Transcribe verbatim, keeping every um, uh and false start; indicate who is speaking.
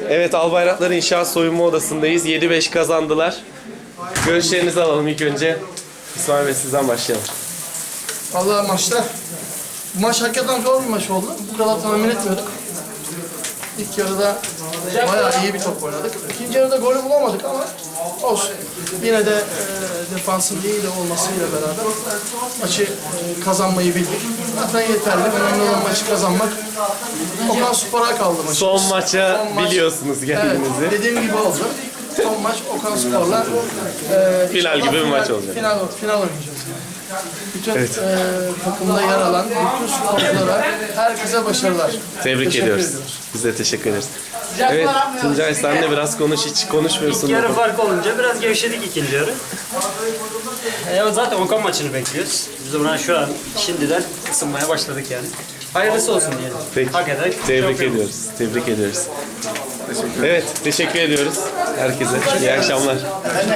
Speaker 1: Evet, Albayraklar İnşaat Soyunma Odası'ndayız. yedi beş kazandılar. Görüşlerinizi alalım ilk önce. İsmail Bey, sizden başlayalım.
Speaker 2: Vallahi maçta, bu maç hakikaten zor bir maç oldu. Bu kadar tahmin etmiyorduk. İlk yarıda bayağı iyi bir top oynadık. İkinci yarıda golü bulamadık ama olsun. Yine de e, defansın iyi de olmasıyla beraber maçı e, kazanmayı bildik. Zaten yeterli. Önemli olan maçı kazanmak. Okan Spor'a kaldı maçımız.
Speaker 1: Son maça
Speaker 2: Son maç-
Speaker 1: biliyorsunuz kendinizi.
Speaker 2: Evet, dediğim gibi oldu. Son maç Okan Spor'la e,
Speaker 1: Final gibi bir
Speaker 2: final-
Speaker 1: maç olacak.
Speaker 2: Final, final oynayacağız. Bütün e, takımda yer alan bütün sporculara, herkese başarılar.
Speaker 1: Tebrik
Speaker 2: Teşekkür
Speaker 1: ediyoruz.
Speaker 2: ediyoruz.
Speaker 1: Biz de teşekkür ederiz. Evet, Tuncay sen de biraz konuş, hiç konuşmuyorsun.
Speaker 3: İlk yarı fark olunca biraz gevşedik ikinci yarı. E, zaten Okan maçını bekliyoruz. Biz buna şu an şimdiden ısınmaya başladık yani. Hayırlısı olsun diyelim.
Speaker 1: Peki,
Speaker 3: Hak eder.
Speaker 1: tebrik
Speaker 3: Şampiyon.
Speaker 1: ediyoruz. Tebrik ediyoruz. Evet, teşekkür ediyoruz herkese. İyi akşamlar.